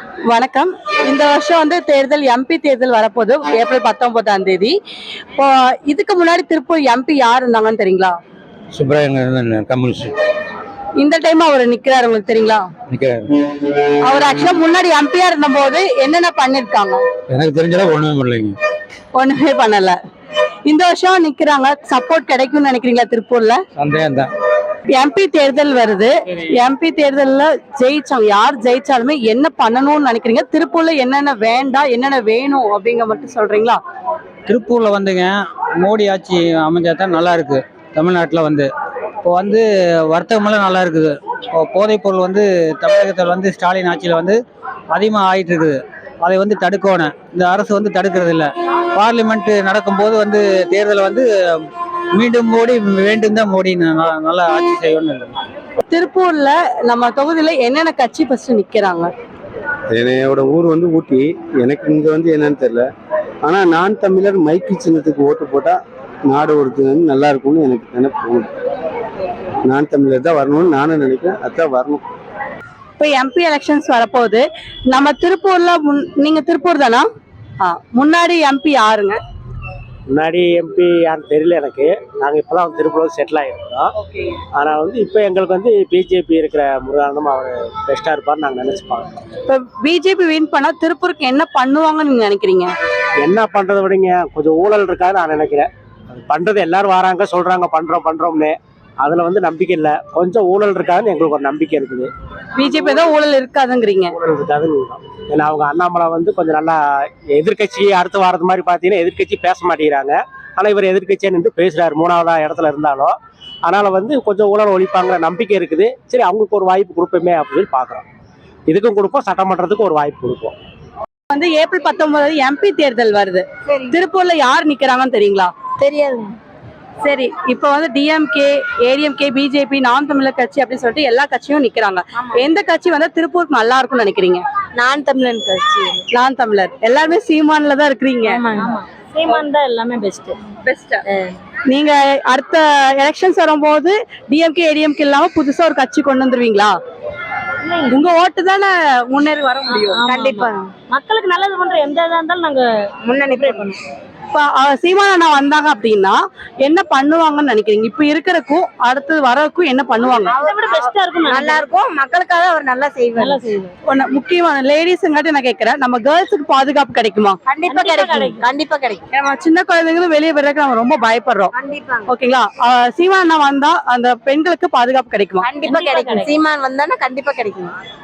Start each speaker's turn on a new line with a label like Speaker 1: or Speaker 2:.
Speaker 1: வணக்கம். இந்த வருஷம் வந்து தேர்தல் எம்பி தேர்தல் வரப்போகுது. ஏப்ரல் 19ஆம் தேதி. இப்போ இதுக்கு முன்னாடி திருப்பூர் எம்பி யார் இருந்தாங்கன்னு தெரியுங்களா?
Speaker 2: சுப்ரமணியன் கம்யூனிஸ்ட்
Speaker 1: இந்த டைம் அவர் நிக்கிறாரு, உங்களுக்கு தெரியுங்களா?
Speaker 2: நிக்கிறாரு.
Speaker 1: அவர் ஆக்சுவலா முன்னாடி எம்பியா இருந்தபோது என்னென்ன பண்ணிருக்காங்க?
Speaker 2: எனக்கு தெரிஞ்சளவு ஒண்ணுமே பண்ணலைங்க.
Speaker 1: ஒண்ணுமே பண்ணல. இந்த வருஷம் நிக்கிறாங்க, சப்போர்ட் கிடைக்கும்னு நினைக்கிறீங்களா திருப்பூர்ல?
Speaker 2: சந்தேகம் தான்.
Speaker 1: எம்பி தேர்தல் வருது. எம்பி தேர்தல்ல ஜெயிச்சாங்க, யார் ஜெயிச்சாலுமே என்ன பண்ணணும்னு நினைக்கிறீங்க? திருப்பூர்ல என்னென்ன வேண்டாம், என்னென்ன வேணும் அப்படிங்க மட்டும் சொல்றீங்களா?
Speaker 3: திருப்பூர்ல வந்துங்க மோடி ஆட்சி அமைஞ்சா தான் நல்லா இருக்கு. தமிழ்நாட்டில் வந்து இப்போ வந்து வர்த்தகமெல்லாம் நல்லா இருக்குது. இப்போ போதைப் பொருள் வந்து தமிழகத்தில் வந்து ஸ்டாலின் ஆட்சியில் வந்து அதிகமாக ஆயிட்டு இருக்குது. அதை வந்து தடுக்கணும். இந்த அரசு வந்து தடுக்கிறது இல்லை. பார்லிமெண்ட் நடக்கும்போது வந்து தேர்தலை வந்து மீண்டும் மோடி வேண்டும் தான் மோடி நல்லா ஆட்சி செய்யணும்.
Speaker 1: திருப்பூர்ல நம்ம தொகுதியில என்னென்ன கட்சி ஃபர்ஸ்ட் நிக்கிறாங்க?
Speaker 4: என்னையோட ஊர் வந்து ஊட்டி. எனக்கு இங்க வந்து என்னன்னு தெரியல. ஆனா நான் தமிழர் மைக்கு சின்னத்துக்கு ஓட்டு போட்டா நாடு ஒருத்தர் நல்லா இருக்கும்னு எனக்கு நினைப்பு. நான் தமிழர் தான் வரணும்னு நானும் நினைக்கிறேன். அதான் வரணும்.
Speaker 1: இப்போ எம்பி எலெக்ஷன்ஸ் வரப்போகுது. நம்ம திருப்பூர்ல நீங்க திருப்பூர் தானா? முன்னாடி எம்பி யாருங்க?
Speaker 5: முன்னாடி எம்பி யாருன்னு தெரியல எனக்கு. நாங்கள் இப்போதான் திருப்பூர் செட்டில் ஆகிருக்கிறோம். ஆனால் வந்து இப்போ எங்களுக்கு வந்து பிஜேபி இருக்கிற முருகானந்தம் அவர் பெஸ்ட்டாக இருப்பார்னு நாங்கள் நினச்சிப்பாங்க.
Speaker 1: இப்போ பிஜேபி வின் பண்ணா திருப்பூருக்கு என்ன பண்ணுவாங்கன்னு நீங்க நினைக்கிறீங்க?
Speaker 5: என்ன பண்ணுறதை விடுங்க, கொஞ்சம் ஊழல் இருக்காதுன்னு நான் நினைக்கிறேன். அது பண்ணுறது எல்லாரும் வராங்க சொல்கிறாங்க பண்ணுறோம்னு. அதில் வந்து நம்பிக்கை இல்லை. கொஞ்சம் ஊழல் இருக்காதுன்னு எங்களுக்கு ஒரு நம்பிக்கை இருக்குது.
Speaker 1: பிஜேபி தான் ஊழல் இருக்காதுங்கிறீங்க?
Speaker 5: ஊழல் இருக்காதுன்னு. ஏன்னா அவங்க அண்ணாமலை வந்து கொஞ்சம் நல்லா எதிர்கட்சி அடுத்து வாரது மாதிரி பார்த்தீங்கன்னா எதிர்கட்சி பேச மாட்டேங்கிறாங்க. ஆனால் இவர் எதிர்கட்சியாக நின்று பேசுகிறாரு 3வது இடத்துல இருந்தாலும். அதனால் வந்து கொஞ்சம் ஊழல் ஒழிப்பாங்கிற நம்பிக்கை இருக்குது. சரி, அவங்களுக்கு ஒரு வாய்ப்பு கொடுப்போமே அப்படின்னு பார்க்குறோம். இதுக்கும் கொடுப்போம், சட்டமன்றத்துக்கும் ஒரு வாய்ப்பு கொடுப்போம்.
Speaker 1: வந்து ஏப்ரல் 19 எம்பி தேர்தல் வருது. திருப்பூர்ல யார் நிக்கிறாங்கன்னு தெரியுங்களா?
Speaker 6: தெரியாதுங்க.
Speaker 1: சரி, இப்போ வந்து டிஎம்கே, ஏடிஎம்கே, பிஜேபி, நாம் தமிழர் கட்சி அப்படின்னு சொல்லிட்டு எல்லா கட்சியும் நிக்கிறாங்க. எந்த கட்சி வந்தா திருப்பூருக்கு நல்லா இருக்கும்னு நினைக்கிறீங்க?
Speaker 6: நான் தமிழன் கட்சி.
Speaker 1: நான் தமிழர். எல்லாருமே சீமான்ல தான் இருக்கிறீங்க.
Speaker 6: சீமான் தான் எல்லாமே பெஸ்ட்.
Speaker 1: நீங்க அடுத்த எலெக்ஷன்ஸ் வரும்போது டிஎம்கே, ஏடிஎம்கே இல்லாம புதுசா ஒரு கட்சி கொண்டு வந்துருவீங்களா? உங்க ஓட்டு தானே முன்னேறி வர முடியும்.
Speaker 6: கண்டிப்பா மக்களுக்கு நல்லது பண்ற எந்த இதா இருந்தாலும் நாங்க முன்னணி பண்ணுவோம்.
Speaker 1: இப்ப சீமான் அண்ணா வந்தாங்க அப்படின்னா என்ன பண்ணுவாங்கன்னு நினைக்கிறீங்க? இப்ப இருக்கிறக்கும் அடுத்தது வரக்கும் என்ன பண்ணுவாங்க?
Speaker 6: அதை விட பெஸ்டா இருக்கும், நல்லா இருக்கும். மக்களுக்காக அவர் நல்லா செய்வார்.
Speaker 1: முக்கியமான லேடிஸ்ங்காட்டி நான் கேட்கிறேன், நம்ம கேர்ள்ஸுக்கு பாதுகாப்பு கிடைக்குமா?
Speaker 6: கண்டிப்பா கிடைக்கும்.
Speaker 1: நம்ம சின்ன குழந்தைங்களும் வெளியே வர்றதுக்கு நம்ம ரொம்ப பயப்படுறோம்.
Speaker 6: கண்டிப்பா.
Speaker 1: ஓகேங்களா? சீமான் அண்ணா வந்தா அந்த பெண்களுக்கு பாதுகாப்பு கிடைக்குமா?
Speaker 6: கண்டிப்பா கிடைக்கும். சீமான் வந்தானா கண்டிப்பா கிடைக்கும்.